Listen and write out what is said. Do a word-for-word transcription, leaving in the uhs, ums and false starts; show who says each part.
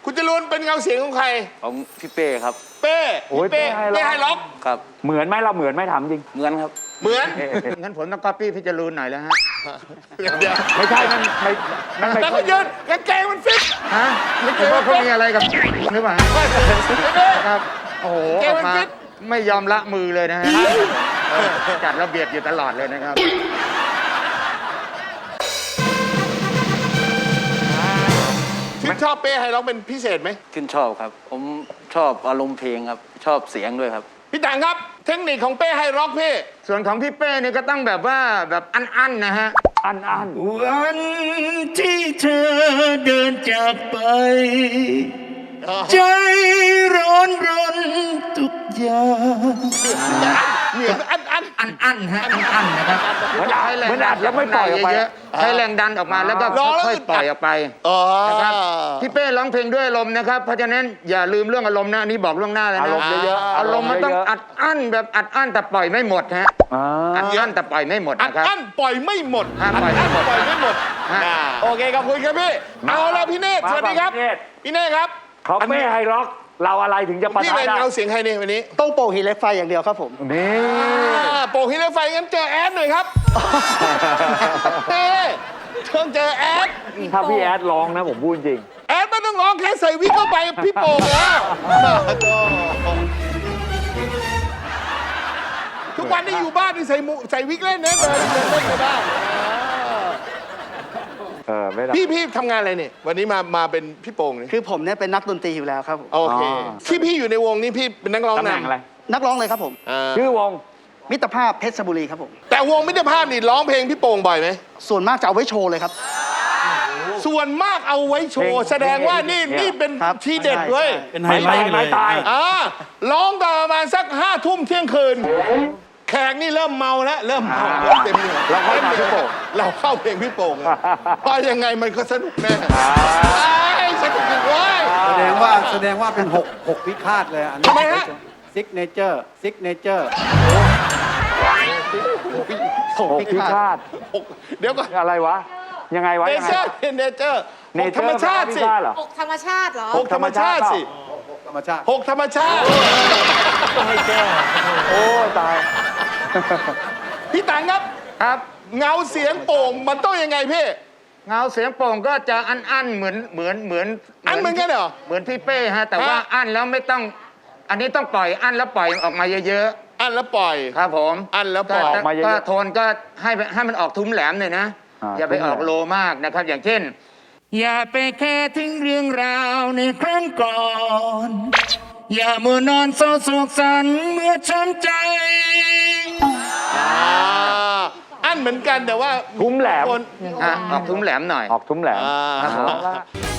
Speaker 1: คุณจรูนเป็นเงาเสียงของใคร
Speaker 2: ของพี่เป้ครับ
Speaker 1: เป้พี่เป้เป้ไฮล็อก
Speaker 2: ครับ
Speaker 3: เหมือนไหมเราเหมือนไหมถามจริง
Speaker 2: เหมือนครับ
Speaker 1: เหมือน
Speaker 4: งั้นผมต้องก๊อปปี้พี่จรูนหน่อยแล้วฮะ
Speaker 3: ไม่ใช่มันไม่มันไม่
Speaker 1: แต่ก็ยืนกางเกงมันฟิต
Speaker 4: ฮะไม่คิดว่าเขามีอะไรกับหรือเปล่าครับโอ้โหออกมาไม่ยอมละมือเลยนะฮะจัดระเบียบอยู่ตลอดเลยนะครับ
Speaker 1: ชื่นชอบเป้ไฮล็อกเป็นพิเศษไหม
Speaker 2: ชื่นชอบครับผมชอบอารมณ์เพลงครับชอบเสียงด้วยครับ
Speaker 1: พี่ต่างครับเทคนิคของเป้ไฮล็อกพี่
Speaker 4: ส่วนของพี่เป้นี่ก็ต้องแบบว่าแบบอั้นๆนะฮะ
Speaker 3: อันอัน
Speaker 5: วันที่เธอเดินจากไปใจร้อนรนทุกอย่าง
Speaker 1: เหมือนอันอัน
Speaker 4: อันอันฮะอันอันนะครับ
Speaker 3: เหมือนอัดเหมือนอัดแล้วไม่ปล่อยออกไป
Speaker 4: ใช้แรงดันออกมาแล้วก็ค่อยๆปล่อยออกไปนะครับพี่เป้ร้องเพลงด้วยอารมณ์นะครับเพราะฉะนั้นอย่าลืมเรื่องอารมณ์นะอันนี้บอกล่วงหน้าเลยนะ
Speaker 3: อารมณ์เยอะ
Speaker 4: ๆอารมณ์มันต้องอัดอั้นแบบอัดอั้นแต่ปล่อยไม่หมดฮะอัดอั้นแต่ปล่อยไม่หมด
Speaker 1: อัด
Speaker 4: นะครับ
Speaker 1: อั้นปล่อยไม่หมด
Speaker 4: อัดอั้น
Speaker 1: ปล่อยไม่หมดโอเคขอบคุณครับพี่เอาละพี่เนตรสวัสดีครับพี่เนตรครับ
Speaker 3: เขาเป้ไฮล็อกเราอะไรถึงจะปะทะได้
Speaker 1: พี่เป็นเงาเสียงใครเนี่ยวันนี้
Speaker 5: ต้องโป่งหินเหล็กไฟอย่างเดียวครับผม
Speaker 3: นี่
Speaker 1: โป่งหินเหล็กไฟงั้นเจอแอดหน่อยครับเต้เชิญเจอแอด
Speaker 3: ถ้าพี่แอดร้องนะผมพูดจริง
Speaker 1: แอดไม่ต้องร้องแค่ใส่วิกเข้าไปพี่โป่งแล้วทุกวันที่อยู่บ้านนี่ใส่มุใส่วิกเล่นนะเดินเดินเล่นในบ้าน
Speaker 3: เออไม่ได้
Speaker 1: พี่พี่ทำงานอะไรเนี่ยวันนี้มามาเป็นพี่โป่งนี่
Speaker 5: คือผมเนี่ยเป็นนักดนตรีอยู่แล้วครับผม
Speaker 1: โอเคที่พี่อยู่ในวงนี้พี่เป็นนักร้อง
Speaker 3: ตำแหน่งอะไร
Speaker 5: นักร้องเลยครับผม
Speaker 3: ชื่อวง
Speaker 5: มิตรภาพเพชรบุรีครับผม
Speaker 1: แต่วงมิตรภาพนี่ร้องเพลงพี่โป่งบ่อยไหม
Speaker 5: ส่วนมากจะเอาไว้โชว์เลยครับ
Speaker 1: ส่วนมากเอาไว้โชว์แสดงว่านี่นี่เป็นทีเด็ดเว้ย
Speaker 3: เป็นไฮไลท์เลยตาย
Speaker 1: อ่าร้องตอนประมาณสักห้าทุ่มเที่ยงคืนแขกนี่เริ่มเมาแล้วเริ่มเมาเริ่มเต็มเหนียว
Speaker 3: เราเข้ามาพี่โป่ง
Speaker 1: เราเข้าเพลงพี่โป่งเพราะยังไงมันก็สนุกแน่สนุกจริงเว้ย
Speaker 6: แสดงว่าแสดงว่าเป็นหกหกพิฆาตเลยอันนี้
Speaker 1: ทำไมฮะ
Speaker 6: ซิกเนเจอร์ซิกเนเจอร์
Speaker 3: หกพิฆาต
Speaker 1: เดี๋ยวก่อน
Speaker 3: อะไรวะยังไงวะ
Speaker 1: เนเจอร์เนเจอร์หกธรรมชาติสิ
Speaker 7: หกธรรมชาติเหรอ
Speaker 1: หกธรรมชาติสิ
Speaker 6: ธรรมชาติ
Speaker 1: หกธรรมชาติ
Speaker 3: ให้แก้โอ้ตาย
Speaker 1: พี่ตังครับ
Speaker 4: ครับ
Speaker 1: เงาเสียงโป่งมันต้องยังไงพี่
Speaker 4: เงาเสียงโป่งก็จะอันอั้นเหมือนเหมือนเหมือน
Speaker 1: อันเหมือนกันเหรอ
Speaker 4: เหมือนพี่เป้ฮะแต่ว่าอั้นแล้วไม่ต้องอันนี้ต้องปล่อยอั้นแล้วปล่อยออกมาเยอะ
Speaker 1: ๆอั้นแล้วปล่อย
Speaker 4: ครับผม
Speaker 1: อั้นแล้วปล่อย
Speaker 4: ออกมาเยอะก็โทนก็ให้ให้มันออกทุ้มแหลมหน่อยนะอย่าไปออกโลมากนะครับอย่างเช่นอย่าไปแค่ถึงเรื่องราวในครั้งก่อนอย่ามัวนอนเศร้าโศกสันเมื่อช้ำใจ
Speaker 1: อั้นเหมือนกันแต่ว่า
Speaker 3: ทุ้มแหลม
Speaker 4: ออกทุ้มแหลมหน่อย
Speaker 3: ออกทุ้มแหลม